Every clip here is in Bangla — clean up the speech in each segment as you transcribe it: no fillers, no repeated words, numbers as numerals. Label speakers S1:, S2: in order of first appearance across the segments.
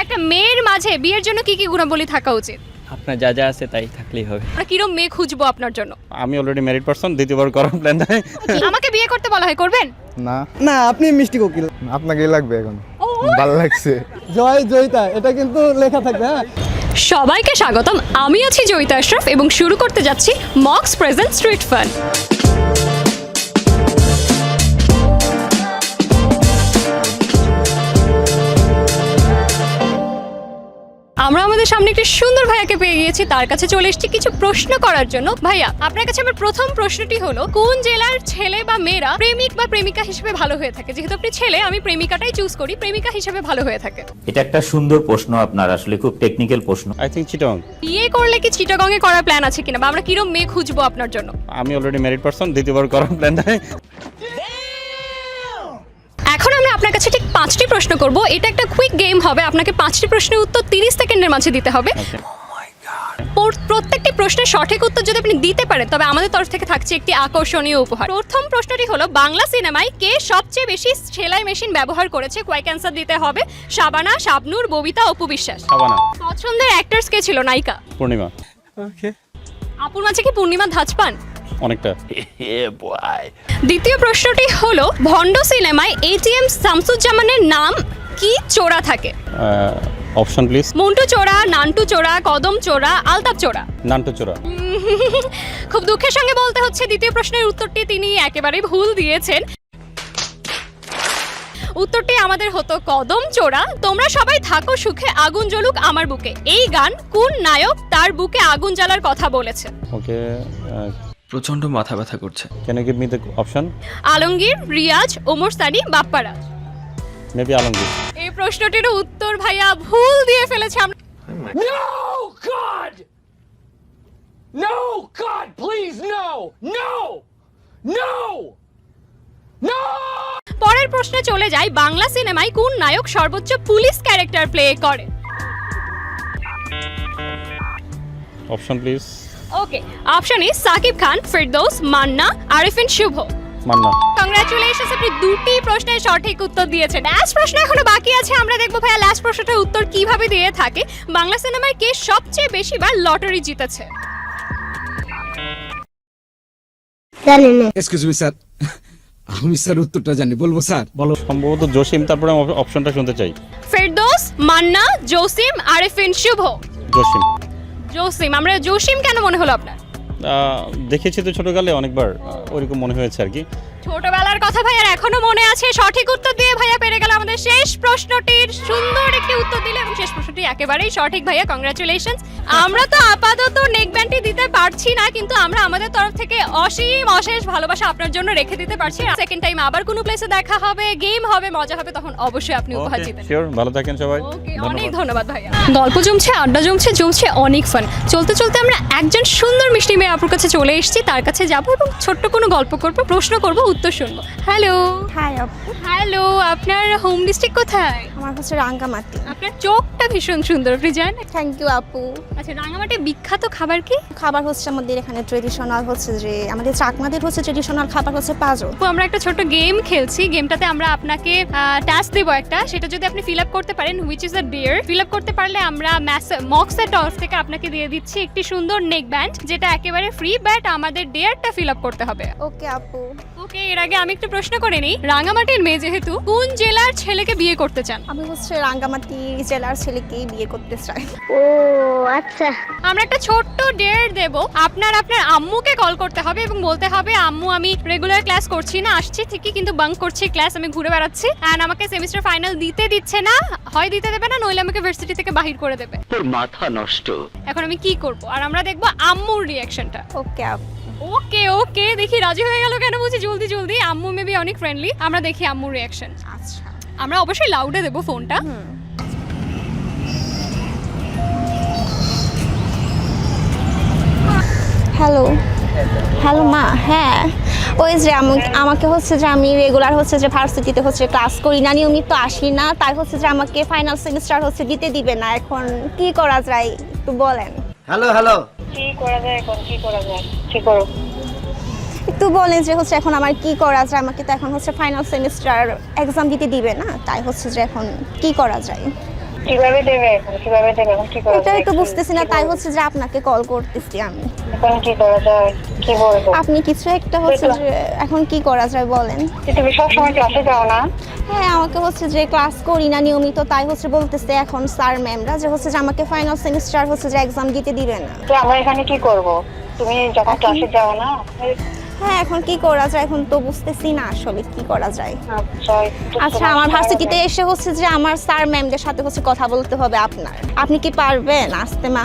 S1: একটা মেয়ের মাঝে বিয়ের জন্য কি কি গুণাবলী থাকা উচিত?
S2: আপনার যা যা আছে তাই থাকলেই হবে।
S1: আমরা কিরম মেয়ে খুঁজবো আপনার জন্য?
S3: আমি অলরেডি ম্যারিড পারসন, দ্বিতীয়বার করার প্ল্যান নাই।
S1: আমাকে বিয়ে করতে বলা হয়, করবেন?
S4: না না, আপনি মিষ্টি কোকিল, আপনাকেই লাগবে এখন। ভালো লাগছে।
S5: জয় জয়িতা, এটা কিন্তু লেখা থাকবে। হ্যাঁ,
S1: সবাইকে স্বাগতম। আমি আছি জয়িতা আশরাফ এবং শুরু করতে যাচ্ছি মক্স প্রেজেন্ট স্ট্রিট ফান। আমরা আমাদের সামনে একটি সুন্দর ভাইয়াকে পেয়ে গিয়েছি, তার কাছে চলে এসেছি কিছু প্রশ্ন করার জন্য। ভাইয়া, আপনার কাছে আমার প্রথম প্রশ্নটি হলো, কোন জেলার ছেলে বা মেয়েরা প্রেমিক বা প্রেমিকা হিসেবে ভালো হয়ে থাকে? যেহেতু আপনি ছেলে, আমি প্রেমিকাটাই চুজ করি, প্রেমিকা হিসেবে ভালো হয়ে থাকে।
S6: এটা একটা সুন্দর প্রশ্ন, আপনার আসলে খুব টেকনিক্যাল প্রশ্ন।
S3: আই থিঙ্ক চিটং।
S1: বিয়ে করলে কি চিটাগং এ করার প্ল্যান আছে কিনা, বা আমরা কিরম মেয়ে খুঁজবো আপনার জন্য?
S3: আমি অলরেডি ম্যারিড পারসন, দ্বিতীয়বার করার প্ল্যান নাই।
S1: এখন আমরা আপনার কাছে ঠিক 5টি প্রশ্ন করব। এটা একটা কুইক গেম হবে, আপনাকে 5টি প্রশ্নের উত্তর 30 সেকেন্ডের মাঝে দিতে হবে। প্রত্যেকটি প্রশ্নের সঠিক উত্তর যদি আপনি দিতে পারেন তবে আমাদের তরফ থেকে থাকছে একটি আকর্ষণীয় উপহার। প্রথম প্রশ্নটি হলো, বাংলা সিনেমায় কে সবচেয়ে বেশি সেলাই মেশিন ব্যবহার করেছে? কয়েক অ্যান্সার দিতে হবে। শাবানা, শাবনূর, ববিতা, অপু বিশ্বাস।
S3: শাবানা।
S1: পছন্দের অ্যাক্টরস কে ছিল? নায়িকা?
S3: পূর্ণিমা।
S4: ওকে।
S1: আপুর মাঝে কি পূর্ণিমা ধাঁচ পান?
S3: অনেকটা।
S1: দ্বিতীয় প্রশ্নটি হলো, ভন্ড সিনেমায় এটিএম শামসুজ্জামানের নাম কি চোরা থাকে?
S3: Option please.
S1: মন্টু চোরা, নান্টু চোরা, কদম চোরা, আলতাপ চোরা।
S3: নান্টু চোরা।
S1: খুব দুঃখের সঙ্গে বলতে হচ্ছে দ্বিতীয় প্রশ্নের উত্তরটি তিনি একেবারেই ভুল দিয়েছেন। উত্তরটি আমাদের হতো কদম চোরা। তোমরা সবাই থাকো সুখে, আগুন জ্বলুক আমার বুকে। এই গান কোন নায়ক তার বুকে আগুন জ্বালার কথা বলেছে?
S3: ওকে।
S2: প্রচন্ড মাথা ব্যথা করছে।
S3: Can you give me the option?
S1: Alamgir, Riaz, Omar Sunny, Bapparaj.
S3: Maybe Alamgir.
S1: এই প্রশ্নটির উত্তর ভাইয়া ভুল দিয়ে ফেলেছে। আমরা
S7: No, God! No, God, please, no! No! No! No!
S1: পরের প্রশ্নে চলে যাই, বাংলা সিনেমায় কোন নায়ক সর্বোচ্চ পুলিশ ক্যারেক্টার প্লে করে?
S3: Option please.
S1: Okay, option is Shakib Khan, Firdous, Manna, Arifin Shuvo.
S3: Manna.
S1: Congratulations, আপনি দুটি প্রশ্নের সঠিক উত্তর দিয়েছেন। লাস্ট প্রশ্ন এখনো বাকি আছে, আমরা দেখবো ভাইয়া লাস্ট প্রশ্নটার উত্তর কিভাবে দিয়ে থাকে। বাংলা সিনেমায় কে সবচেয়ে বেশি বার লটারি জিতেছে?
S5: এক্সকিউজ মি স্যার, আমি স্যার উত্তরটা জানি, বলবো স্যার?
S3: বলো। সম্ভবত জসিম, তারপরে অপশনটা শুনতে চাই।
S1: ফিরদৌস, মান্না, জসিম, আরিফিন শুভ।
S3: জসিম।
S1: জসিম। আমরা জসিম কেন মনে হলো আপনার?
S3: দেখেছি তো ছোটকালে অনেকবার, ওইরকম মনে হয়েছে আর কি।
S1: ছোটবেলার কথা ভাইয়ার এখনো মনে আছে। সঠিক উত্তর দিয়ে ভাইয়া পেরে গেল আমাদের শেষ প্রশ্নটির সুন্দর একটি উত্তর দিলে, এবং শেষ প্রশ্নটি একেবারেই সঠিক ভাইয়া, কংগ্রাচুলেশনস। আমরা তো আপাতত নেক ব্যান্ডটি দিতে পারছি না, কিন্তু আমরা আমাদের তরফ থেকে অসীম অশেষ ভালোবাসা আপনার জন্য রেখে দিতে পারছি। সেকেন্ড টাইম আবার কোনো প্লেসে দেখা হবে, গেম হবে, মজা হবে, তখন অবশ্যই আপনি উপহার জিতেন।
S3: শিওর। ভালো থাকেন সবাই।
S1: ওকে, অনেক ধন্যবাদ ভাইয়া। গল্প জমছে, আড্ডা জমছে, জমছে অনেক ফান। চলতে চলতে আমরা একজন সুন্দর মিষ্টি মেয়ে আপুর কাছে চলে এসেছি, তার কাছে যাবো এবং ছোট্ট কোনো গল্প করবো, প্রশ্ন করবো, উত্তর শুনবো। হ্যালো।
S8: হাই আপু,
S1: হ্যালো, আপনার হোম ডিস্ট্রিক্ট কোথায়?
S8: আমার হচ্ছে রাঙ্গামাটি।
S1: আপনার চোখটা ভীষণ সুন্দর, আপনি জানেন?
S8: থ্যাংক ইউ আপু।
S1: আচ্ছা, রাঙামাটি বিখ্যাত খাবার কি?
S8: খাবার হচ্ছে আমাদের এখানে ট্রেডিশনাল হচ্ছে যে আমাদের চাকমাদের হচ্ছে ট্রেডিশনাল খাবার হচ্ছে পাজো।
S1: আপু, আমরা একটা ছোট গেম খেলছি। গেমটাতে আমরা আপনাকে টাস্ক দেবো একটা, সেটা যদি আপনি ফিল আপ করতে পারেন, which is a dear, fill up করতে পারলে আমরা মক্সের তরফ থেকে আপনাকে দিয়ে দিচ্ছি একটি সুন্দর নেক ব্যান্ড, যেটা একেবারে ফ্রি, বাট আমাদের ডিয়ারটা ফিল আপ করতে হবে।
S8: ওকে আপু।
S1: ওকে, এর আগে আমি একটু প্রশ্ন করে নিই। রাঙামাটির মেয়ে যেহেতু, কোন জেলার ছেলেকে বিয়ে করতে চান?
S8: আমি হচ্ছে রাঙ্গামাটি জেলার ছেলেকেই বিয়ে করতে চাই।
S9: ও আচ্ছা।
S1: আমরা একটা ছোট্ট ডেয়ার দেব। আপনার আম্মুকে কল করতে হবে এবং বলতে হবে, আম্মু আমি রেগুলার ক্লাস করছি না, আসছি ঠিকই কিন্তু বাঙ্ক করছি ক্লাস, আমি ঘুরে বেড়াচ্ছি, এন্ড আমাকে সেমিস্টার ফাইনাল দিতে দিচ্ছে না, হয় দিতে দেবে না, নইলে আমাকে ভার্সিটি থেকে বাহির করে দেবে।
S2: তোর মাথা নষ্ট।
S1: এখন আমি কি করব? আর আমরা দেখব আম্মুর রিঅ্যাকশনটা।
S8: ওকে আপু।
S1: ওকে ওকে, দেখি রাজি হয়ে গেল কেন বুঝি জলদি জলদি। আম্মু মেবি অনেক ফ্রেন্ডলি, আমরা দেখি আম্মুর রিঅ্যাকশন।
S8: আচ্ছা,
S1: আমরা অবশ্যই লাউডে দেব ফোনটা।
S8: হ্যালো। হ্যালো মা। হ্যাঁ, ওই যে আমাকে হচ্ছে যে আমি রেগুলার হচ্ছে যে ভার্সিটিতে হচ্ছে ক্লাস করি না, নিয়মিত আসি না, তাই হচ্ছে যে আমাকে ফাইনাল সেমিস্টার হচ্ছে দিতে দিবে না। এখন কি করা যায় একটু বলেন।
S4: Hello hello.
S9: কি করা যায় এখন? কি করা যায়? কি করো?
S8: একটু বলেন যে হচ্ছে এখন আমার কি করা যায়। আমাকে তো এখন হচ্ছে ফাইনাল সেমিস্টার এক্সাম দিতে দিবে না, তাই হচ্ছে যে এখন কি করা যায়।
S9: কিভাবে দেবে এখন কিভাবে দেবে এখন কি করা
S8: এটাই
S9: যায়
S8: তো বুঝতেছি না, তাই হচ্ছে যে আপনাকে কল করতেছি আমি।
S9: এখন কি করা যায় কি বলবো
S8: আপনি কিছু একটা হচ্ছে যে এখন কি করা যায় বলেন।
S9: তুমি সবসময় ক্লাসে যাও না
S8: হ্যাঁ, আমাকে হচ্ছে যে ক্লাস করি না নিয়মিত, তাই হচ্ছে বলতেছে এখন স্যার ম্যামরা যে হচ্ছে যে আমাকে ফাইনাল সেমিস্টার হচ্ছে যে এক্সাম দিতে দিবে না।
S9: তো আমরা এখানে কি করব তুমি যখন ক্লাসে যাও না
S8: হ্যাঁ, এখন কি করা যায় এখন তো বুঝতেছি না আসলে কি করা যায়।
S9: আচ্ছা একটু
S8: আচ্ছা, আমার ভার্সিটিতে এসে হচ্ছে যে আমার স্যার ম্যামদের সাথে হচ্ছে কথা বলতে হবে আপনার। আপনি কি পারবেন আসতে মা?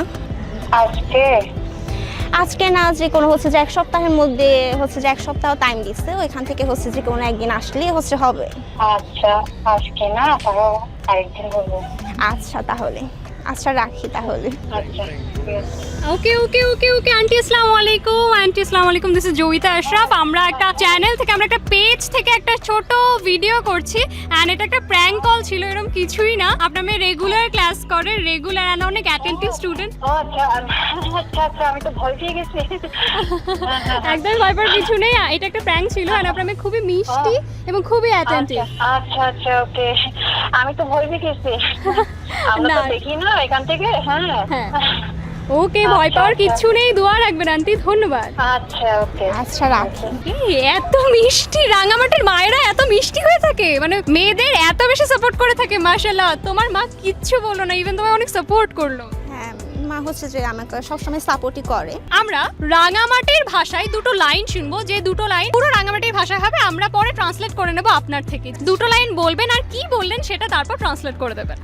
S8: আজকে না, যে কোনো হচ্ছে যে এক সপ্তাহের মধ্যে হচ্ছে যে এক সপ্তাহ টাইম দিচ্ছে, ওইখান থেকে হচ্ছে যে কোনো একদিন আসলেই হচ্ছে হবে।
S9: আচ্ছা আজকে না তাও আরেকদিন বলবো
S8: আচ্ছা তাহলে, আচ্ছা রাখি তাহলে।
S9: আচ্ছা
S1: ওকে ওকে ওকে ওকে আন্টি আসসালামু আলাইকুম। আন্টি আসসালামু আলাইকুম, দিস ইজ জয়িতা আশরাফ। আমরা একটা চ্যানেল থেকে, আমরা একটা পেজ থেকে একটা ছোট ভিডিও করছি এন্ড এটা একটা প্র্যাঙ্ক কল ছিল, এরকম কিছুই না। আপনার মেয়ে রেগুলার ক্লাস করে, রেগুলার এন্ড অনেক অ্যাটেন্টিভ স্টুডেন্ট।
S9: ও আচ্ছা আচ্ছা আচ্ছা আমি তো ভয় পেয়ে গেছি
S1: একদম ভয় পাওয়ার কিছু নেই, এটা একটা প্র্যাঙ্ক ছিল এন্ড আপনার মেয়ে খুবই মিষ্টি এবং খুবই অ্যাটেন্টিভ।
S9: আচ্ছা আচ্ছা ওকে আমি তো ভয় পেয়ে গেছি আমরা তো
S1: না।
S9: দেখি না এখান থেকে
S1: হ্যাঁ ওকে, ভয় পাওয়ার কিছু নেই, দোয়া রাখবেন আন্টি, ধন্যবাদ।
S9: আচ্ছা ওকে
S8: আচ্ছা রাখি।
S1: এই এত মিষ্টি, রাঙামাটির মায়েরা এত মিষ্টি হয়ে থাকে, মানে মেয়েদের এত বেশি সাপোর্ট করে থাকে। মাশাআল্লাহ, তোমার মা কিচ্ছু বললো না, ইভেন তোমায় অনেক সাপোর্ট করলো।
S8: হ্যাঁ, মা হচ্ছে যে আমাকে সবসময় সাপোর্টই করে।
S1: আমরা রাঙামাটির ভাষায় দুটো লাইন শুনবো, যে দুটো লাইন পুরো রাঙামাটির ভাষা হবে, আমরা পরে ট্রান্সলেট করে নেবো আপনার থেকে। দুটো লাইন বলবেন আর কি বললেন সেটা তারপর ট্রান্সলেট করে দেবেন।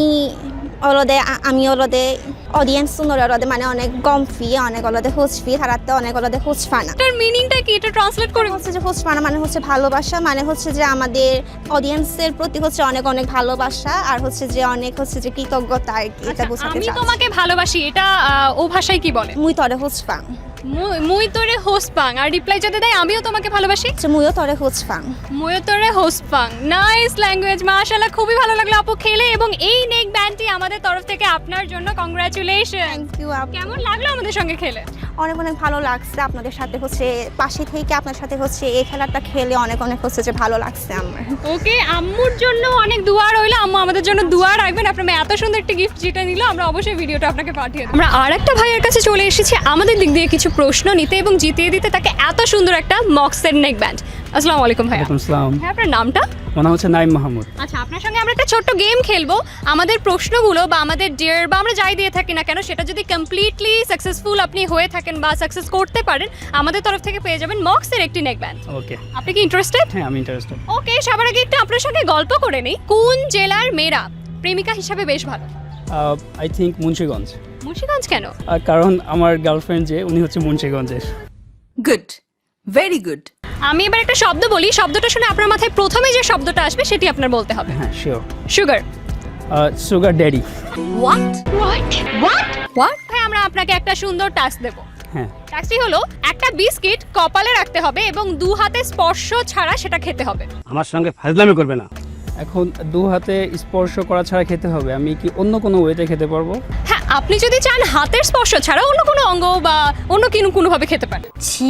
S8: আমি অলদে অডিয়েন্স সুন্দর অলদে মানে অনেক গমফি অনেক অলদে হুচফি তারাতে অনেক অলদে হুচফানা।
S1: এটার মিনিংটা কি, এটা ট্রান্সলেট করে
S8: হচ্ছে যে হুচফানা মানে হচ্ছে ভালোবাসা, মানে হচ্ছে যে আমাদের অডিয়েন্সের প্রতি হচ্ছে অনেক অনেক ভালোবাসা আর হচ্ছে যে অনেক হচ্ছে যে কৃতজ্ঞতা আর কি, এটা বোঝাতে
S1: আমি
S8: চাচ্ছি।
S1: তোমাকে ভালোবাসি, এটা ও ভাষায় কি বলে?
S8: মুই তরে হুচফাং।
S1: মুই তোরে হোসপাং, আর রিপ্লাই যদি দেয় আমিও তোমাকে ভালোবাসি,
S8: মুইও তরে হুচফাং।
S1: মুইও তোরে হোসপাং। নাইস ল্যাঙ্গুয়েজ, মাশাআল্লাহ, খুবই ভালো লাগলো আপু খেলে। এবং এই নেক ব্যান্ডটি আমাদের তরফ থেকে আপনার জন্য কংগ্রাচুলেশন।
S8: থ্যাংক ইউ আপু।
S1: কেমন লাগলো আমাদের সঙ্গে খেলে?
S8: অনেক অনেক ভালো লাগছে আপনাদের সাথে হচ্ছে পাশে থেকে আপনার সাথে হচ্ছে এই খেলাটা খেলে অনেক অনেক হচ্ছে যে ভালো লাগছে আমার।
S1: ওকে, আম্মুর জন্য অনেক দোয়া রইলো, আম্মু আমাদের জন্য দোয়া রাখবেন। আপনার মেয়ে এত সুন্দর একটা গিফট যেটা নিল, আমরা অবশ্যই ভিডিওটা আপনাকে পাঠিয়ে দেব। আমরা আর একটা ভাইয়ের কাছে চলে এসেছি আমাদের দিক দিয়ে কিছু প্রশ্ন নিতে এবং জিতিয়ে দিতে তাকে এত সুন্দর একটা মক্সের নেক ব্যান্ড। আসসালামু আলাইকুম ভাইয়া।
S10: আসসালাম,
S1: হ্যাঁ, আপনার নামটা?
S10: আমার নাম হচ্ছে নাইম মাহমুদ।
S1: আচ্ছা, আপনার সঙ্গে আমরা একটা ছোট্ট গেম খেলবো। আমাদের প্রশ্নগুলো বা আমাদের ডিয়ার বা আমরা যাই দিয়ে থাকি না কেন, সেটা যদি কমপ্লিটলি সাকসেসফুল আপনি হয়ে থাকেন বা সাকসেস করতে পারেন, আমাদের তরফ থেকে পেয়ে যাবেন মক্সের একটি নেক ব্যান্ড।
S10: ওকে,
S1: আপনি কি ইন্টারেস্টেড?
S10: হ্যাঁ আমি ইন্টারেস্টেড।
S1: ওকে, সবার আগে একটু আপনার সঙ্গে গল্প করে নেই। কোন জেলার মেয়েরা প্রেমিকা হিসাবে বেশ ভালো?
S10: I think Munshiganj.
S1: মুন্সিগঞ্জ কেন?
S10: কারণ আমার গার্লফ্রেন্ড যে উনি হচ্ছে মুন্সিগঞ্জের।
S11: Good, very good.
S1: আমি এবার একটা শব্দ বলি, শব্দটা শুনে আপনার মাথায় প্রথমে যে শব্দটা আসবে সেটি আপনার বলতে হবে।
S10: হ্যাঁ sure.
S1: Sugar.
S10: Sugar daddy.
S1: What what what what? ভাই, আমরা আপনাকে একটা সুন্দর টাস্ক দেব।
S10: হ্যাঁ,
S1: টাস্কটি হলো একটা বিস্কিট কপালে রাখতে হবে এবং দু হাতে স্পর্শ ছাড়া সেটা খেতে হবে।
S10: আমার সঙ্গে ফাজলামি করবে না। এখন দু হাতে স্পর্শ করা ছাড়া খেতে হবে, আমি কি অন্য কোনো ওয়েতে খেতে পারবো?
S1: হ্যাঁ, আপনি যদি চান হাতের স্পর্শ ছাড়া অন্য কোনো অঙ্গ বা অন্য কোনোভাবে খেতে পারেন।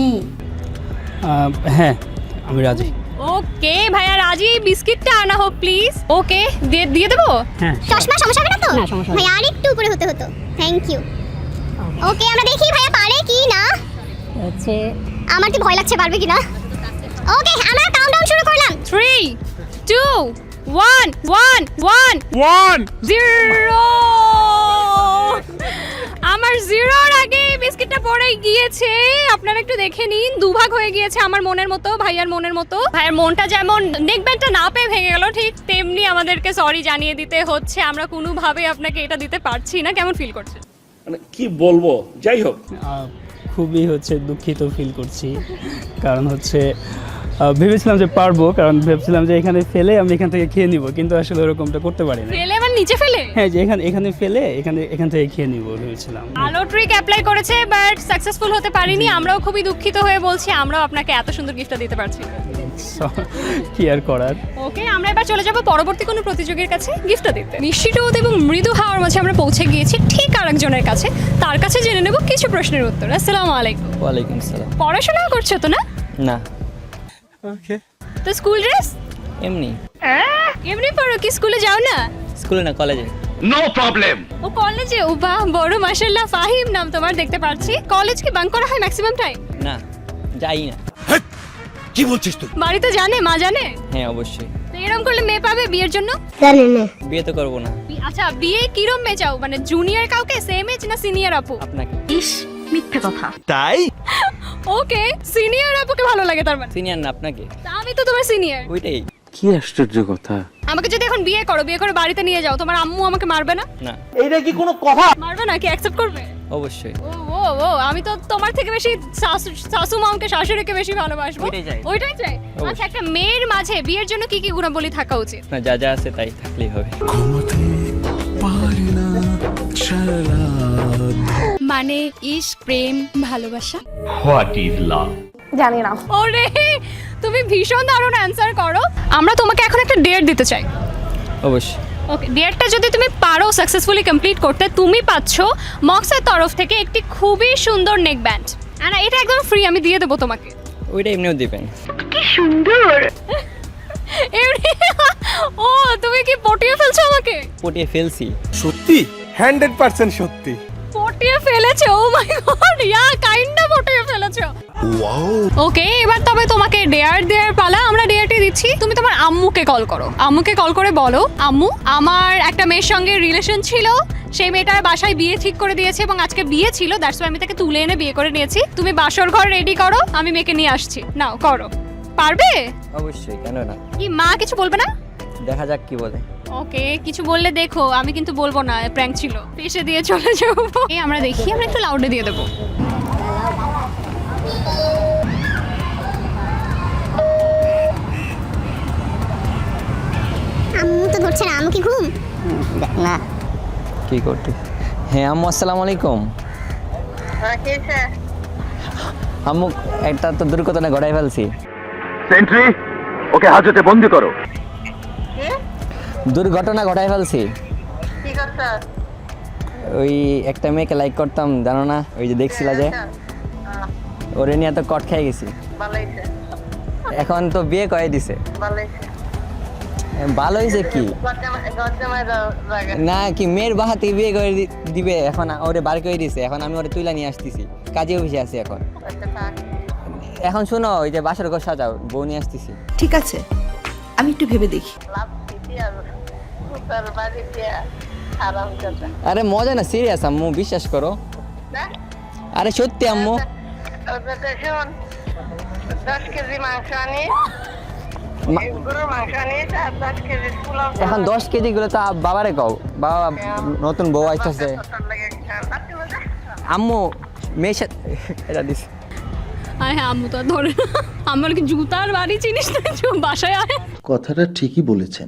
S10: হ্যাঁ, আমি রাজি।
S1: ওকে ভাইয়া, রাজি। বিস্কিটটা আনা হোক প্লিজ। ওকে, দিয়ে দেবো।
S10: হ্যাঁ,
S9: চশমা সমস্যা হবে না তো ভাই আর একটু উপরে হতে হতো থ্যাংক ইউ ওকে আমরা দেখি ভাইয়া পারে কি না আমার কি ভয় লাগছে পারবে কি না ওকে আমরা কাউন্টডাউন শুরু করলাম
S1: 3 2 1 1 1 1 0। আমার জিরোর আগে বিস্কিটটা পড়ে গিয়েছে, আপনারা একটু দেখে নিন। দুভাগ হয়ে গিয়েছে আমার মনের মতো, ভাইয়ার মনের মতো। ভাইয়ার মনটা যেমন নেক ব্যান্ডটা না পেয়ে ভেঙে গেল, ঠিক তেমনি আমাদেরকে সরি জানিয়ে দিতে হচ্ছে। আমরা কোনোভাবে আপনাকে এটা দিতে পারছি না। কেমন ফিল করছেন?
S7: মানে কি বলবো, যাই হোক
S10: খুবই হচ্ছে দুঃখিত ফিল করছি। কারণ হচ্ছে ভেবেছিলাম যে পারবো, কারণ ভেবেছিলাম যে এখানে ফেলে আমি এখান থেকে খেয়ে নিব, কিন্তু আসলে ওরকমটা করতে পারি না।
S1: ফেলে আবার নিচে ফেলে?
S10: হ্যাঁ, যে এখানে ফেলে এখান থেকে খেয়ে নিব ভেবেছিলাম।
S1: ভালো ট্রিক অ্যাপ্লাই করেছে বাট সাকসেসফুল হতে পারিনি। আমরাও খুবই দুঃখিত হয়ে বলছি, আমরাও আপনাকে এত সুন্দর গিফটটা দিতে পারছি না।
S10: কি আর করার।
S1: ওকে, আমরা এবার চলে যাব পরবর্তী কোনো প্রতিযোগীর কাছে গিফটটা দিতে। মিষ্টি রোদ এবং মৃদু হাওয়ার মাঝে আমরা পৌঁছে গিয়েছি ঠিক আরেকজনের কাছে। তার কাছে জেনে নেব কিছু প্রশ্নের উত্তর। আসসালামু আলাইকুম।
S2: ওয়ালাইকুম আসসালাম।
S1: পড়াশোনা করছো তো না?
S2: না,
S10: ওকে,
S1: তো স্কুল ড্রেস
S2: এমনি।
S1: এমনি পড়ো কি, স্কুলে যাও না?
S2: স্কুলে না, কলেজে।
S7: No problem.
S1: ও কলেজে, ও বাহ, বড় মাশাআল্লাহ, ফাহিম নাম তোমার, দেখতে পাচ্ছি। কলেজ কি বাঙ্ক করা হয় ম্যাক্সিমাম টাইম?
S2: না, যাই না।
S7: কি বলছিস তুই?
S1: বাড়িতে জানে, মা জানে?
S2: হ্যাঁ অবশ্যই।
S1: তো এরকম করলে মেয়ে পাবে বিয়ের জন্য?
S9: জানি না।
S2: বিয়ে তো করবো না।
S1: আচ্ছা, বিয়ে কিরম মেয়ে চাও, মানে জুনিয়র কাউকে, সেম এজ না সিনিয়র আপু?
S2: আপনাকে।
S7: তাই?
S1: ওকে, সিনিয়র আপুকে ভালো লাগে তার মানে?
S2: সিনিয়র না, আপনাকে।
S1: তা আমি তো তোমার সিনিয়র।
S2: ওইটাই।
S6: কি আশ্চর্য কথা।
S1: আমাকে যদি এখন বিয়ে করো, বিয়ে করে বাড়িতে নিয়ে যাও, তোমার আম্মু আমাকে মারবে না?
S2: না।
S1: মারবে না, কি অ্যাকসেপ্ট করবে?
S2: অবশ্যই।
S1: ও ও ও, আমি তো তোমার থেকে বেশি শাশু মামকে, শাশুড়িকে বেশি ভালোবাসবো।
S2: ওইটাই চাই।
S1: ওইটাই চাই। আচ্ছা, একটা মেয়ের মাঝে বিয়ের জন্য কি কি গুণাবলী থাকা উচিত?
S2: না, যা যা আছে তাই থাকলেই হবে।
S1: মানে ইশক, প্রেম, ভালোবাসা।
S7: What is love?
S8: জানি না।
S1: ওরে, তুমি ভীষণ দারুণ অ্যান্সার করো। আমরা তোমাকে এখন একটা ডেট দিতে চাই।
S2: অবশ্যই।
S1: ওকে, ডেটটা যদি তুমি পারো সাকসেসফুলি কমপ্লিট করতে, তুমি পাচ্ছ মক্সের তরফ থেকে একটি খুবই সুন্দর নেক ব্যান্ড। আর এটা একদম ফ্রি, আমি দিয়ে দেবো তোমাকে।
S2: ওইটা এমনিও দিবেন।
S1: এমনি? ও, তুমি কি পটিয়ে ফেলছো আমাকে?
S2: পটিয়ে ফেলছি।
S4: সত্যি 100% সত্যি।
S1: পটিয়ে ফেলেছো? ও মাই গড, ইয়া কাইন্ডা পটিয়ে ফেলেছো। ওকে, এবার তবে তোমাকে ডেয়ার দেওয়ার পালা। আমরা ডেয়ারটি দিচ্ছি। তুমি তোমার আম্মুকে কল করো। আম্মুকে কল করে বলো, আম্মু, আমার একটা মেয়ের সঙ্গে রিলেশন ছিল, সেই মেয়েটার বাসায় বিয়ে ঠিক করে দিয়েছে এবং আজকে বিয়ে ছিল, দ্যাটস ওয়াই আমি তাকে তুলে এনে বিয়ে করে নিয়েছি। তুমি বাসর ঘর রেডি করো, আমি মেয়েকে নিয়ে আসছি। নাও করো। পারবে?
S2: অবশ্যই, কেন না।
S1: কি মা কিছু বলবে না?
S2: দেখা যাক কি বলে।
S1: ওকে, কিছু বললে দেখো, আমি কিন্তু বলবো না প্র্যাঙ্ক ছিল, পেশে দিয়ে চলে যাবো। এই আমরা দেখি, আমরা একটু লাউডে দিয়ে দেবো।
S9: আম্মু তো ধরছে না, আম্মু কি ঘুম? না।
S2: কি করতে? হ্যাঁ আম্মু, আসসালামু আলাইকুম। আম্মু, একটা তো দুর্ঘটনা ঘটাই ফেলছি।
S7: সেন্ট্রি, ওকে হাজতে বন্দি করো।
S2: দুর্ঘটনা ঘটাই ফেলছি। ওই একটা মেয়েকে লাইক করতাম, জানো না, ওই যে দেখছিলা যে, ওরে নিয়ে তো কট খেয়ে গেছি। এখন তো বিয়ে করে দিছে। ভালো হয়েছে কি না, কি মেয়ের বাহাতে বিয়ে করে দিবে, এখন ওরে বার করে দিছে। এখন আমি ওরে তুইলা নিয়ে আসতেছি, কাজে অফিসে আছি এখন। এখন শোনো, ওই যে বাসার ঘর সাজাও, বউ নিয়ে আসতেছি।
S11: ঠিক আছে, আমি একটু ভেবে দেখি।
S2: আরে মজা না, সিরিয়াস আম্মু, বিশ্বাস করো। আরে সত্যি আম্মু।
S8: 10 কেজি মাংস আনি, গরুর মাংস আনি, 10 কেজি পোলাও।
S2: এখন 10 কেজি গুলো তো বাবারে কও, বাবা নতুন বউ আসতেছে। আম্মু মেয়ের সাথে এটা দিস।
S1: হ্যাঁ হ্যাঁ, আম্মু তো আর ধরে না। আমার কি জুতার বাড়ি চিনিস না, বাসায় আয়।
S4: কথাটা ঠিকই বলেছেন।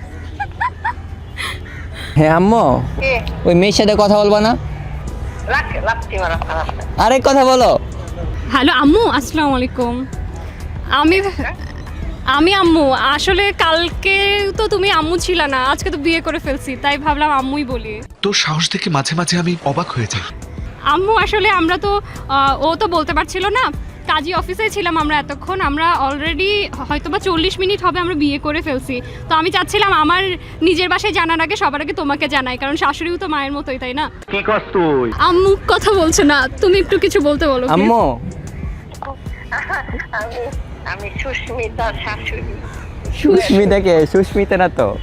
S2: হ্যাঁ আম্মু, ওই মেয়ের সাথে কথা বলবা না? আরে কথা বলো।
S1: হ্যালো আম্মু, আসসালামু আলাইকুম। আমি আম্মু, আসলে কালকে তো তুমি আম্মু ছিল না, আজকে তো বিয়ে করে ফেলছি, তাই ভাবলাম আম্মুই বলি।
S5: তোর সাহস দেখে মাঝে মাঝে আমি অবাক হয়ে যাই।
S1: আম্মু, আসলে আমরা তো ও তো বলতে পারছিল না, কাজী অফিসে ছিলাম আমরা এতক্ষণ। আমরা অলরেডি হয়তোবা 40 মিনিট হবে আমরা বিয়ে করে ফেলছি। তো আমি চাচ্ছিলাম আমার নিজের বাসায় জানার আগে সবার আগে তোমাকে জানাই, কারণ শাশুড়িও তো মায়ের মতোই, তাই না?
S7: কি করছ তুই?
S1: আম্মু কথা বলছে না, তুমি একটু কিছু বলতে বলো please।
S2: আম্মু,
S8: আমি সুস্মিতা শাশুড়ি।
S2: সুস্মিতাকে? সুস্মিতা না তো।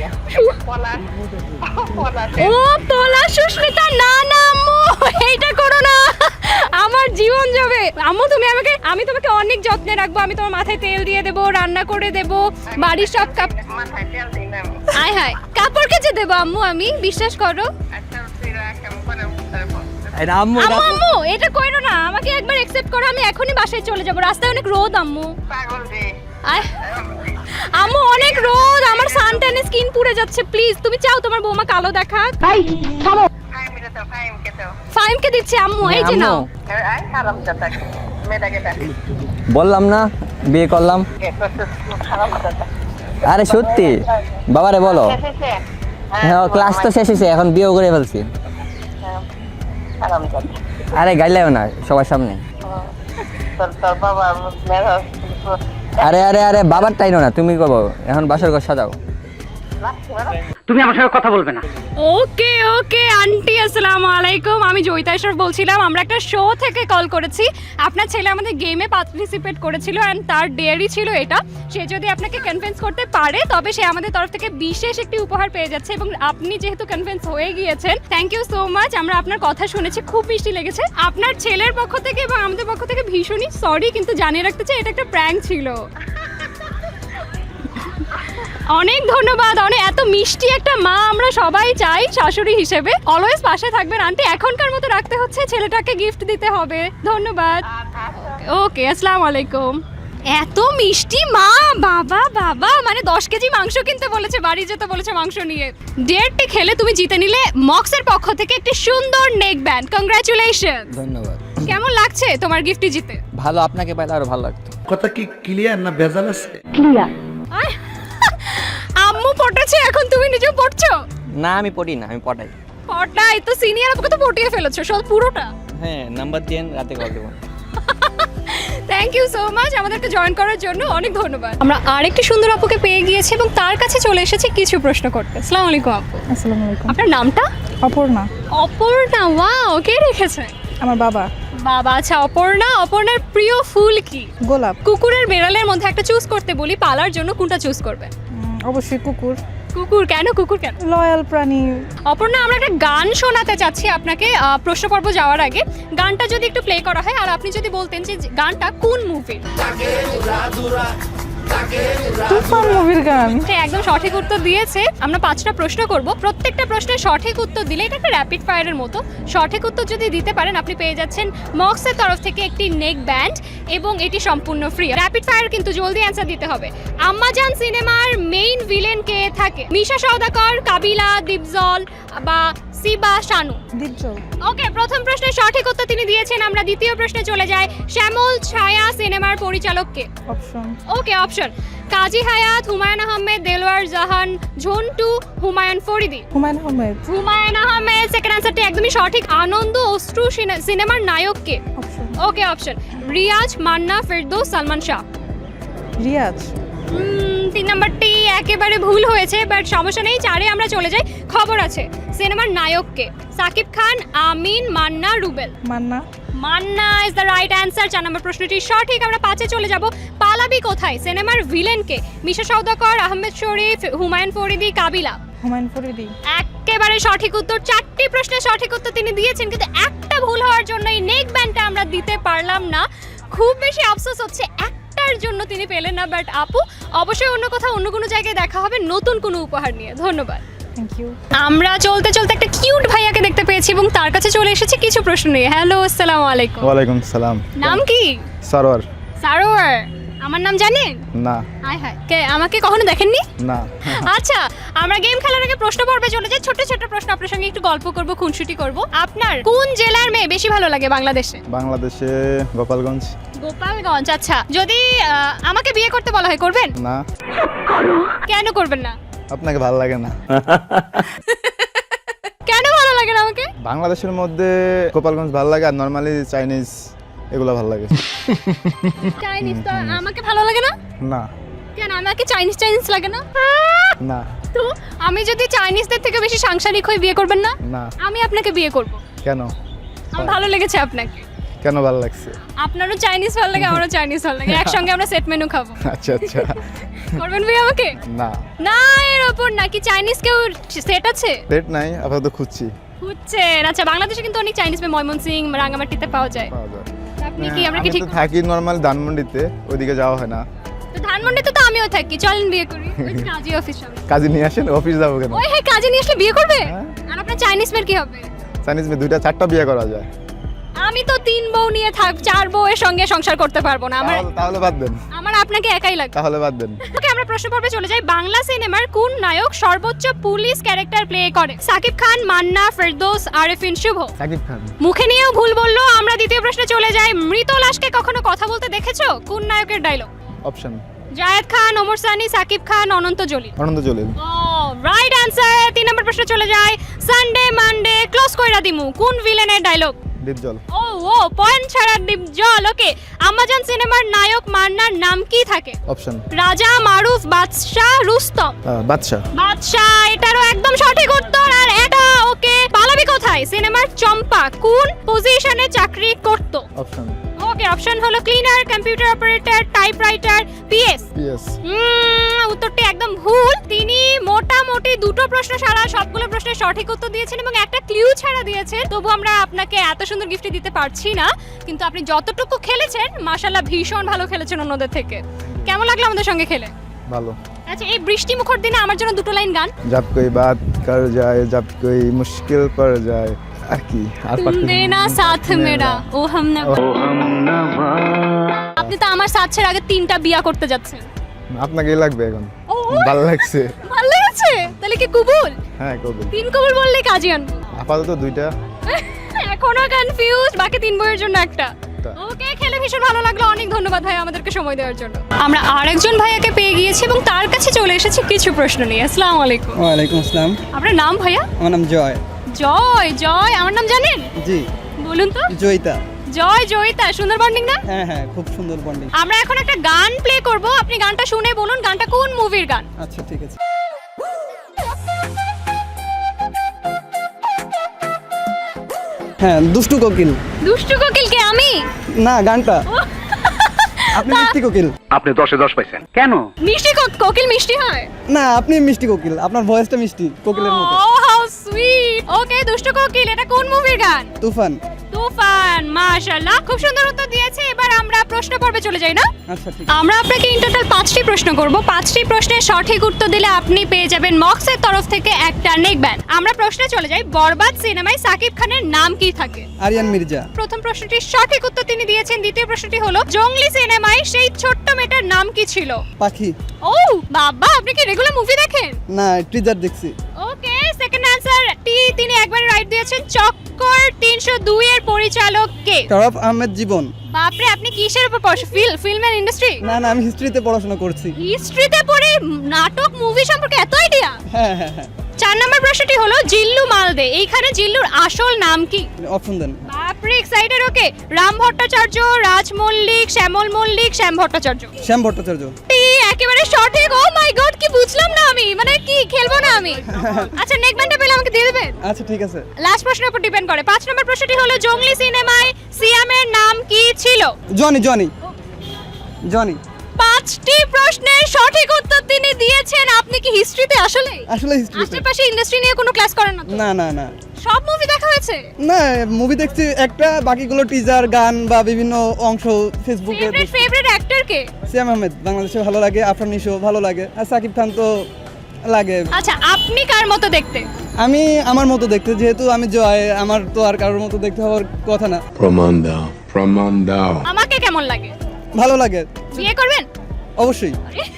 S1: ও পলা সুস্মিতা, না না আম্মু, এইটা করো না, আমার জীবন যাবে। আম্মু তুমি আমাকে, আমি তোমাকে অনেক যত্নে রাখবো, আমি তোমার মাথায় তেল দিয়ে দেবো, রান্না করে দেবো, বাড়ির সব
S8: মাথায় তেল দিন আমি।
S1: আয় হায়, কাপড় কেচে দেবো আম্মু, আমি বিশ্বাস করো।
S8: আচ্ছা, তুই রাখ, আমি পরে বলবো।
S2: আম্মু
S1: আম্মু আম্মু এটা কইরো না, আমাকে একবার অ্যাকসেপ্ট করো, আমি এখনই বাসায় চলে যাব, রাস্তায় অনেক রোদ আম্মু।
S8: পাগল রে।
S1: আয় আম্মু, অনেক রোদ, আমার সানট্যানে স্কিন পুড়ে যাচ্ছে, প্লিজ তুমি চাও তোমার বৌমা কালো দেখাক?
S8: ফাইমকে দাও, ফাইমকে দাও।
S1: ফাইমকে দিচ্ছে আম্মু, এই যে নাও।
S8: আয় খারাপ কথা, মেয়েটাকে ডাক।
S2: বললাম না বিয়ে করলাম।
S8: খারাপ কথা।
S2: আরে সত্যি, বাবারে বলো। হ্যাঁ, ক্লাস তো শেষ হয়েছে, এখন বিয়ে করে ফেলছি।
S8: খারাপ কথা।
S2: আরে গাইলেও না সবার সামনে।
S8: তোর বাবা মেয়ে।
S2: আরে আরে আরে, বাবার টাইনো না, তুমি কবো এখন বাসর ঘর সাজাও।
S7: তুমি আমার সঙ্গে কথা বলবে না।
S1: ওকে ওকে আন্টি আসসালামু আলাইকুম, আমি জয়িতা ইশরাফ বলছিলাম। আমরা একটা শো থেকে কল করেছি। আপনার ছেলে আমাদের গেমে পার্টিসিপেট করেছিল অ্যান্ড তার ডেয়ারি ছিল এটা। সে যদি আপনাকে কনভিন্স করতে পারে তবে সে আমাদের তরফ থেকে বিশেষ একটি উপহার পেয়ে যাচ্ছে, এবং আপনি যেহেতু কনভিন্স হয়ে গিয়েছেন, থ্যাংক ইউ সো মাচ। আমরা আপনার কথা শুনেছি, খুব মিষ্টি লেগেছে। আপনার ছেলের পক্ষ থেকে এবং আমাদের পক্ষ থেকে ভীষণই সরি, কিন্তু জানিয়ে রাখতে চাই এটা একটা প্র্যাঙ্ক ছিল। অনেক ধন্যবাদ। এত মিষ্টি একটা মা আমরা সবাই চাই শাশুড়ি হিসেবে। অলওয়েজ পাশে থাকবেন আন্টি। এখনকার মতো রাখতে হচ্ছে, ছেলেটাকে গিফট দিতে হবে। ধন্যবাদ। ওকে আসসালামু আলাইকুম। এত মিষ্টি মা, বাবা বাবা, মানে 10 কেজি মাংস কিনতে বলেছে, বাড়ি যেতে বলেছে মাংস নিয়ে। ডেয়ারটি খেলে তুমি জিতে নিলে মক্সের পক্ষ থেকে একটি সুন্দর নেক ব্যান্ড। কংগ্রাচুলেশন।
S2: ধন্যবাদ।
S1: কেমন লাগছে তোমার গিফটটি জিতে?
S2: ভালো, আপনাকে পাইলে আরো ভালো লাগতো।
S5: কথা কি ক্লিয়ার না ভেজাল আছে?
S1: আয়, আম্মু পটেছে, এখন তুমি নিজেও পড়ছো?
S2: না আমি পড়ি না, আমি পড়াই।
S1: পটাই তো সিনিয়র আপুকে তো পটিয়ে ফেলেছো সব পুরোটা।
S2: হ্যাঁ, নাম্বার দেন, রাতে কল দেবো।
S1: থ্যাংক ইউ সো মাচ আমাদেরকে জয়েন করার জন্য, অনেক ধন্যবাদ। আমরা আরেকটি সুন্দর আপুকে পেয়ে গিয়েছি এবং তার কাছে চলে এসেছি কিছু প্রশ্ন করতে। আসসালামু আলাইকুম আপু।
S12: আসসালামু আলাইকুম।
S1: আপনার নামটা?
S12: অপর্ণা।
S1: অপর্ণা, ওয়াও, কে রেখেছে?
S12: আমার বাবা।
S1: বাবা, আচ্ছা। অপর্ণার প্রিয় ফুল কি?
S12: গোলাপ।
S1: কুকুরের বেড়ালের মধ্যে একটা চুজ করতে বলি, পালার জন্য কোনটা চুজ করবে?
S12: অবশ্যই কুকুর।
S1: কুকুর কেন? কুকুর কেন?
S12: লয়াল প্রাণী।
S1: অপর্ণা, আমরা একটা গান শোনাতে চাচ্ছি আপনাকে প্রশ্ন পর্ব যাওয়ার আগে। গানটা যদি একটু প্লে করা হয় আর আপনি যদি বলতেন যে গানটা কোন মুভির।
S12: তুফান মুভির গান।
S1: একদম সঠিক উত্তর দিয়েছে। আমরা 5টা প্রশ্ন করব, প্রত্যেকটা প্রশ্নের সঠিক উত্তর দিলে এটা একটা র্যাপিড ফায়ারের মতো। সঠিক উত্তর যদি দিতে পারেন আপনি পেয়ে যাচ্ছেন মক্সের তরফ থেকে একটি নেক ব্যান্ড, এবং এটি সম্পূর্ণ ফ্রি। র্যাপিড ফায়ার কিন্তু জলদি অ্যান্সার দিতে হবে। আম্মাজান সিনেমার মেইন ভিলেন কে থাকে? মিশা সওদাকর, কাবিলা, দীপজল বা সিবা শানু?
S12: দীপজল।
S1: ওকে, প্রথম প্রশ্নের সঠিক উত্তর তিনি দিয়েছেন। আমরা দ্বিতীয় প্রশ্নে চলে যাই। শ্যামল ছায়া সিনেমার পরিচালক কে?
S12: Option.
S1: Okay, option Kazi Hayat, Humayun Ahmed, Delwar Jahan, Jhontu, Humayun Faridi?
S12: Humayun Ahmed.
S1: Humayun Ahmed. Second আনসারটি একদমই সঠিক। আনন্দ অশ্রু সিনেমার নায়ক কে?
S12: Option.
S1: Okay, option Riaz, Manna, Ferdous, Salman Shah?
S12: Riaz.
S1: 3 নাম্বারটি একেবারে ভুল হয়েছে, বাট সমস্যা নেই। 4-এ আমরা চলে যাই। খবর আছে সিনেমার নায়ক কে? Shakib Khan, Amin, Manna, Rubel?
S12: Manna.
S1: Manna is the right answer. 4 নম্বর প্রশ্নটি সঠিক। আমরা 5-এ চলে যাব। পালাবি কোথায় সিনেমার ভিলেন কে? মিশা সওদাকর, আহমেদ শরীফ, হুমায়ুন ফরিদি, কাবিলা?
S12: হুমায়ুন ফরিদি।
S1: একেবারে সঠিক উত্তর। 4টি প্রশ্নের সঠিক উত্তর তিনি দিয়েছেন, কিন্তু একটা ভুল হওয়ার জন্য এই নেক ব্যান্ডটা আমরা দিতে পারলাম না। খুব বেশি আফসোস হচ্ছে, একটার জন্য তিনি পেলেন না। বাট আপু, অবশ্যই অন্য কোথাও অন্য কোনো জায়গায় দেখা হবে নতুন কোনো উপহার নিয়ে। ধন্যবাদ।
S12: Thank you.
S1: আমরা চলতে চলতে একটা কিউট ভাইয়াকে দেখতে পেয়েছি এবং তার কাছে চলে এসেছি কিছু প্রশ্ন নিয়ে। হ্যালো, আসসালামু আলাইকুম।
S4: ওয়ালাইকুম সালাম।
S1: নাম কি?
S4: সারোয়ার।
S1: সারোয়ার। আমার নাম জানেন?
S4: না।
S1: হায় হায়, কে আমাকে কখনো দেখেননি?
S4: না।
S1: আচ্ছা, আমরা গেম খেলার আগে প্রশ্ন পর্বে চলে যাই। ছোট ছোট প্রশ্ন, আপনার সঙ্গে একটু গল্প করব, খুনসুটি করব। আপনার কোন জেলার মেয়ে বেশি ভালো লাগে বাংলাদেশে?
S4: বাংলাদেশে গোপালগঞ্জ।
S1: গোপালগঞ্জ। আচ্ছা, যদি আমাকে বিয়ে করতে বলা হয় করবেন?
S4: না।
S1: কেন করবেন না?
S4: আপনাকে ভালো লাগে না?
S1: কেন ভালো লাগে না আমাকে?
S4: বাংলাদেশের মধ্যে গোপালগঞ্জ ভালো লাগে, আর নর্মালি চাইনিজ এগুলো ভালো লাগে।
S1: চাইনিজ তো আমাকে ভালো লাগে না?
S4: না।
S1: কেন আমাকে চাইনিজ লাগে না?
S4: না।
S1: তো আমি যদি চাইনিজদের থেকে বেশি সাংসারিক হয়ে বিয়ে করবেন না?
S4: না।
S1: আমি আপনাকে বিয়ে করব।
S4: কেন?
S1: আমার ভালো লেগেছে আপনাকে।
S4: কেন ভালো লাগছে?
S1: আপনারও চাইনিজ ভালো লাগে, আমারও চাইনিজ ভালো লাগে। একসঙ্গে আমরা সেট মেনু খাবো।
S4: আচ্ছা আচ্ছা।
S1: করবেন বিয়ে আমাকে?
S4: না।
S1: না, এর ওপর নাকি চাইনিজ কেউ সেট আছে?
S4: ডেট নাই, আপাতত খুঁজছি।
S1: খুঁজছেন? আচ্ছা, বাংলাদেশে কিন্তু অনেক চাইনিজ মেয়ে ময়মনসিং, রাঙ্গামাটিতে পাওয়া যায়। আপনি কি, আমরা কি
S4: আমি
S1: ঠিক?
S4: তো থাকি নরমালি ধানমন্ডিতে, ওইদিকে যাওয়া হয় না।
S1: তো ধানমন্ডিতে তো আমিও থাকি, চলেন বিয়ে করি। ওই যে কাজী অফিস সামনে।
S4: কাজে নিয়ে আসেন, অফিস যাবো কেন?
S1: ওই হ্যাঁ, কাজে নিয়ে আসলে বিয়ে করবে? আর আপনার চাইনিজ মেয়ের কি হবে?
S4: চাইনিজ মেয়ে 2টা 4টা বিয়ে করা যায়।
S1: আমি তো 3 বউ নিয়ে 4 বউয়ের সঙ্গে সংসার করতে পারবো না।
S4: তাহলে বাদ দেন।
S1: আমার আপনাকে একাই লাগে।
S4: তাহলে বাদ দেন।
S1: ওকে, আমরা প্রশ্ন পর্বে চলে যাই। বাংলা সিনেমার কোন নায়ক সর্বোচ্চ পুলিশ ক্যারেক্টার প্লে করে? সাকিব খান, মান্না, ফেরদৌস, আরেফিন, শুভ?
S4: সাকিব খান।
S1: মুখে নিয়েও ভুল বললো। আমরা দ্বিতীয় প্রশ্নে চলে যাই। মৃত লাশকে কখনো কথা বলতে দেখেছো? কোন নায়কের ডায়লগ?
S4: অপশন
S1: জায়েদ খান, ওমর সানি, সাকিব খান, অনন্ত জলিল?
S4: অনন্ত জলিল।
S1: ও রাইট অ্যান্সার। 3 নম্বর প্রশ্নে চলে যাই। সানডে মানডে ক্লোজ কইরা দিমু কোন ভিলেনের ডায়লগ?
S4: ডিপজল।
S1: ও পয়েন্ট ছাড়া ডিপ জল। ওকে, আমাজন সিনেমার নায়ক মান্নার নাম কি থাকে?
S4: অপশন
S1: রাজা, মারুফ, বাদশা, রুস্তম।
S4: বাদশা।
S1: বাদশা এটারও একদম সঠিক উত্তর। আর এটা ওকে, পালাবি কোথায় সিনেমার চম্পা কোন পজিশনে চাকরি করত?
S4: অপশন।
S1: ওকে, অপশন হলো cleaner, computer operator, typewriter, PS.
S4: PS.
S1: উত্তরটি একদম ভুল। তিনি মোটামুটি দুটো প্রশ্ন ছাড়া সবগুলো প্রশ্নের সঠিক উত্তর দিয়েছেন এবং একটা ক্লিউ ছাড়া দিয়েছেন। তবু আমরা আপনাকে এত সুন্দর গিফট দিতে পারছি না, কিন্তু আপনি যতটুকু খেলেছেন মাশাআল্লাহ ভীষণ ভালো খেলেছেন অন্যদের থেকে। কেমন লাগলো আমাদের সঙ্গে খেলে?
S4: ভালো।
S1: আচ্ছা, এই বৃষ্টি মুখর দিনে আমার জন্য দুটো লাইন গান।
S4: जब कोई बात कर जाए जब कोई मुश्किल पड़ जाए আর কি আর
S1: তুম দেনা সাথ মেরা ও হাম না। আপনি তো আমার সাথ ছেড়ে আগে 3টা বিয়া করতে যাচ্ছেন।
S4: আপনাকেই লাগবে এখন। ভালো লাগছে।
S1: ভালো লেগেছে? তাহলে কি কবুল?
S4: হ্যাঁ কবুল।
S1: 3 কবুল বললে কাজে আনবো।
S4: আপাতত 2টা।
S1: এখনো কনফিউজ, বাকি 3 বইয়ের জন্য একটা। ওকে, খেলে ভীষণ ভালো লাগলো। অনেক ধন্যবাদ ভাই আমাদেরকে সময় দেওয়ার জন্য। আমরা আরেকজন ভাইয়াকে পেয়ে গিয়েছি এবং তার কাছে চলে এসেছি কিছু প্রশ্ন নিয়ে। আসসালামু আলাইকুম।
S10: ওয়ালাইকুম আসসালাম।
S1: আপনার নাম ভাইয়া?
S10: আমার নাম জয়।
S1: জয়। জয়, আমার নাম জানেন?
S10: জি।
S1: বলুন তো।
S10: জয়িতা।
S1: জয় জয়িতা, সুন্দর বন্ডিং না?
S10: হ্যাঁ হ্যাঁ, খুব সুন্দর বন্ডিং।
S1: আমরা এখন একটা গান প্লে করব, আপনি গানটা শুনে বলুন গানটা কোন মুভির গান।
S10: আচ্ছা ঠিক আছে। হ্যাঁ, দুষ্টু কোকিল।
S1: দুষ্টু কোকিল কে আমি?
S10: না, গানটা। আপনি মিষ্টি কোকিল।
S7: আপনি 10-এ 10 পাইছেন কেন?
S1: মিষ্টি কোকিল মিষ্টি হয়
S10: না, আপনি মিষ্টি কোকিল, আপনার ভয়েসটা মিষ্টি কোকিলের মতো।
S1: ও হাউ সুইট। ওকে, দুষ্টু কোকিল এটা কোন মুভির গান?
S10: তুফান।
S1: তুফান, মাশাআল্লাহ খুব সুন্দর উত্তর দিয়েছে। এবার আমরা প্রশ্ন পর্বে চলে যাই না?
S10: আচ্ছা ঠিক।
S1: আমরা আপনাকে ইন টোটাল 5টি প্রশ্ন করব। 5টি প্রশ্নের সঠিক উত্তর দিলে আপনি পেয়ে যাবেন মক্সের তরফ থেকে একটা নেক ব্যান্ড। আমরা প্রশ্নে চলে যাই, বরবাদ সিনেমায় সাকিব খানের নাম কি থাকে?
S10: আরিয়ান মির্জা।
S1: প্রথম প্রশ্নটির সঠিক উত্তর তিনি দিয়েছেন। দ্বিতীয় প্রশ্নটি হলো, জঙ্গলি সিনেমায় সেই ছোট্ট মেয়েটার নাম কি ছিল?
S10: পাখি।
S1: ও বাবা, আপনি কি রেগুলার মুভি দেখেন?
S10: না, টিজার দেখছি।
S1: ওকে, সেকেন্ড অ্যানসার টি তিনি একবারে রাইট দিয়েছেন। চক্কর 302 এর পরিচালক কে?
S10: শরফ আহমেদ জীবন।
S1: বাপরে, আপনি কিসের উপর ফিল্মের ইন্ডাস্ট্রি?
S10: না না, আমি হিস্ট্রিতে পড়াশোনা করছি।
S1: হিস্ট্রিতে পড়ে নাটক মুভি সম্পর্কে এত আইডিয়া?
S10: হ্যাঁ হ্যাঁ হ্যাঁ।
S1: 4 নম্বর প্রশ্নটি হলো, জিল্লু মালদে এইখানে জিল্লুর আসল নাম কি?
S10: অপশন দেন।
S1: বাপরে এক্সাইটেড। ওকে, রাম ভট্টাচার্য, রাজ মল্লিক, শ্যামল মল্লিক, শ্যাম ভট্টাচার্য।
S10: শ্যাম ভট্টাচার্য।
S1: একেবারে সঠিক। ও মাই গড, কি বুঝলাম না আমি, মানে কি খেলবো না আমি। আচ্ছা, নেক ব্যান্ডটা পেলে আমাকে দিয়ে দেবেন?
S10: আচ্ছা ঠিক আছে।
S1: লাস্ট প্রশ্নের উপর ডিপেন্ড করে। 5 নম্বর প্রশ্নটি হলো, জঙ্গলি সিনেমায় সিয়ামের নাম কি ছিল?
S10: জনি। জনি। জনি।
S1: 5টি প্রশ্নের সঠিক উত্তর তিনি দিয়েছেন। আপনি কি হিস্ট্রিতে আসলে
S10: হিস্ট্রিতে।
S1: আশেপাশে ইন্ডাস্ট্রি নিয়ে কোনো ক্লাস করেন না তো?
S10: না না না।
S1: সব মুভি দেখা হয়েছে?
S10: না, মুভি দেখছি একটা, বাকিগুলো টিজার, গান বা বিভিন্ন অংশ ফেসবুকে।
S1: ফেভারিট অ্যাক্টর কে?
S10: সিয়াম আহমেদ বাংলাদেশে ভালো লাগে, আফরান নিশো ভালো লাগে, আর সাকিব খান তো লাগে।
S1: আচ্ছা, আপনি কার মতো দেখতে?
S10: আমি আমার মতো দেখতে, যেহেতু আমি জয়, আমার তো আর কারোর মতো দেখতে হওয়ার কথা না।
S5: প্রমাণ দাও, প্রমাণ দাও।
S1: আমাকে কেমন লাগে?
S10: ভালো লাগে।
S1: বিয়ে করবেন?
S10: অবশ্যই।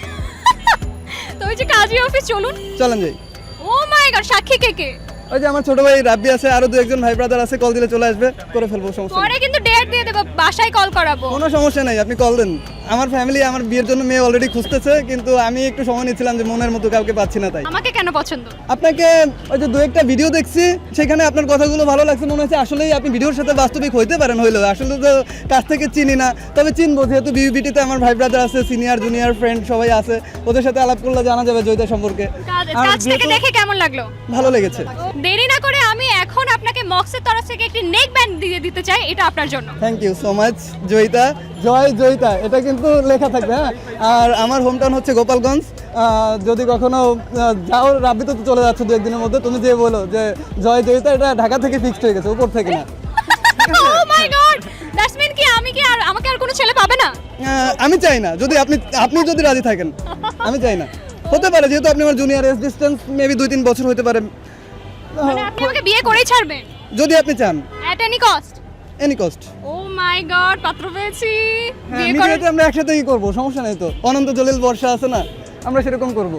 S1: তো ওই যে কাজী অফিস চলুন।
S10: চলেন যাই।
S1: ও মাই গড, সাক্ষী কে কে?
S10: ওই যে আমার ছোট ভাই রাব্বি আছে, আরো 2-1 ভাই ব্রাদার আছে, কল দিলে চলে আসবে, করে ফেলবো, সমস্যা নেই।
S1: পরে কিন্তু ডেট দিয়ে দেব, বাসায় কল করাবো।
S10: কোনো সমস্যা নেই, আপনি কল দেন। আমার ফ্যামিলি আমার বিয়ের জন্য মেয়ে অলরেডি খুঁজতেছে, কিন্তু আমি একটু সময় নিচ্ছিলাম যে মনের মতো কাউকে পাচ্ছি না, তাই।
S1: আমাকে কেন পছন্দ?
S10: আপনাকে ওই যে 2-1টা ভিডিও দেখছি, সেখানে আপনার কথাগুলো ভালো লাগছে, মনে হচ্ছে আসলেই আপনি ভিডিওর সাথে বাস্তবিক হইতে পারেন। হইলেও আসলে তো কাছ থেকে চিনি না, তবে চিনবো, যেহেতু বিউবিটিতে আমার ভাই ব্রাদার আছে, সিনিয়র জুনিয়র ফ্রেন্ড সবাই আছে, ওদের সাথে আলাপ করলে জানা যাবে জয়িতা সম্পর্কে।
S1: কাজ থেকে দেখে কেমন লাগলো?
S10: ভালো লেগেছে।
S1: দেরি না করে আমি এখন আপনাকে মক্সের তরফ থেকে একটি নেক ব্যান্ড দিয়ে দিতে চাই, এটা আপনার জন্য।
S10: Thank you so much Joyita. Joy Joyita এটা কিন্তু লেখা থাকবে। হ্যাঁ, আর আমার হোম টাউন হচ্ছে গোপালগঞ্জ। যদি কখনো যাও, রাব্বি তো চলে যাচ্ছে 2-1 দিনের মধ্যে, তুমি যে বলো যে জয় জয়িতা, এটা ঢাকা থেকে ফিক্সড হয়ে গেছে, উপর থেকে না।
S1: ও মাই গড, দ্যাটস মিন কি আমি কি আর আমাকে আর কোনো ছেলে পাবে না?
S10: আমি চাই না, যদি আপনি যদি রাজি থাকেন। আমি চাই না, হতে পারে, যেহেতু আপনি আমার জুনিয়র, এজ ডিসটেন্স মেবি 2-3 বছর হতে পারে।
S1: মানে আপনি আমাকে বিয়ে করেই ছাড়বেন
S10: যদি আপনি চান,
S1: at any cost?
S10: Any cost.
S1: Oh my god, পাত্র পেয়েছি। বিয়ে করে
S10: মিডিয়াতে আমরা একসাথেই করব, সমস্যা নেই তো। অনন্ত জলিল বর্ষা আছে না, আমরা সেরকম করব।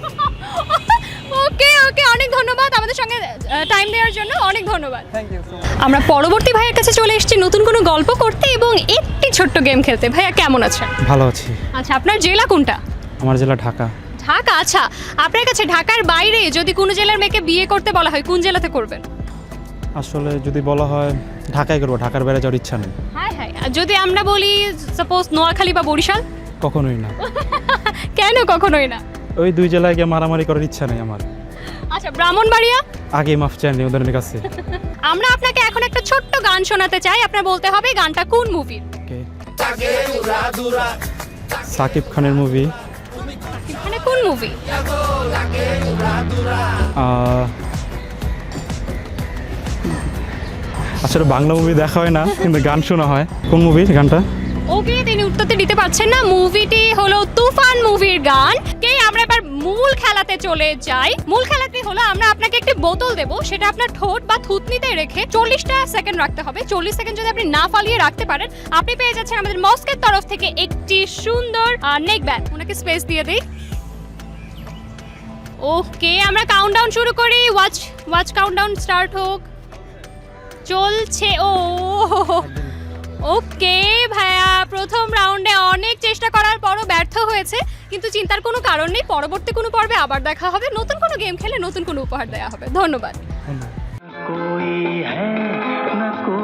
S1: ওকে ওকে, অনেক ধন্যবাদ আমাদের সঙ্গে টাইম দেওয়ার জন্য, অনেক ধন্যবাদ।
S10: Thank you so much.
S1: আমরা পরবর্তী ভাইয়ের কাছে চলে এসেছি নতুন কোনো গল্প করতে এবং একটি ছোট্ট গেম খেলতে। ভাইয়া কেমন আছেন?
S3: ভালো আছি।
S1: আচ্ছা, আপনার জেলা কোনটা?
S3: আমার জেলা ঢাকা।
S1: ঢাকা। আচ্ছা, আপনার কাছে ঢাকার বাইরে যদি কোনো জেলার মেয়েকে বিয়ে করতে বলা হয়, কোন জেলাতে করবেন?
S3: আসলে যদি বলা হয় ঢাকায় করবো, ঢাকার বাইরে যাওয়ার ইচ্ছা নেই।
S1: হ্যাঁ হ্যাঁ, আর যদি আমরা বলি সাপোজ নোয়াখালী বা বরিশাল?
S3: কখনোই না।
S1: কেন কখনোই না?
S3: ওই 2 জেলায় গিয়ে মারামারি করার ইচ্ছা নেই আমার।
S1: আচ্ছা, ব্রাহ্মণবাড়িয়া?
S3: আগে মাফ চাইনি ওদের কাছে।
S1: আমরা আপনাকে এখন একটা ছোট্ট গান শোনাতে চাই, আপনার বলতে হবে গানটা কোন মুভির।
S3: সাকিব খানের মুভি।
S1: মানে কোন মুভি?
S3: আসলে বাংলা মুভি দেখা হয় না, কিন্তু গান শোনা হয়। কোন মুভির গানটা?
S1: ওকে, তিনি উত্তরটি দিতে পারছেন না। মুভিটি হলো তুফান মুভির গান। কে, আমরা এবার মূল খেলাতে চলে যাই। মূল খেলাটি হলো আমরা আপনাকে একটি বোতল দেব, সেটা আপনার ঠোঁট বা থুতনিতে রেখে 40টা সেকেন্ড রাখতে হবে। 40 সেকেন্ড যদি আপনি না ফালিয়ে রাখতে পারেন, আপনি পেয়ে যাচ্ছেন আমাদের মস্কের তরফ থেকে একটি সুন্দর নেক ব্যান্ড। ওনাকে স্পেস দিয়ে দিই। ওকে, আমরা কাউন্টডাউন শুরু করি। ওয়াচ কাউন্টডাউন স্টার্ট হোক। চলছে। ওকে ভাইয়া, প্রথম রাউন্ডে অনেক চেষ্টা করার পরও ব্যর্থ হয়েছে, কিন্তু চিন্তার কোনো কারণ নেই। পরবর্তী কোনো পর্বে আবার দেখা হবে, নতুন কোনো গেম খেলে নতুন কোনো উপহার দেওয়া হবে। ধন্যবাদ।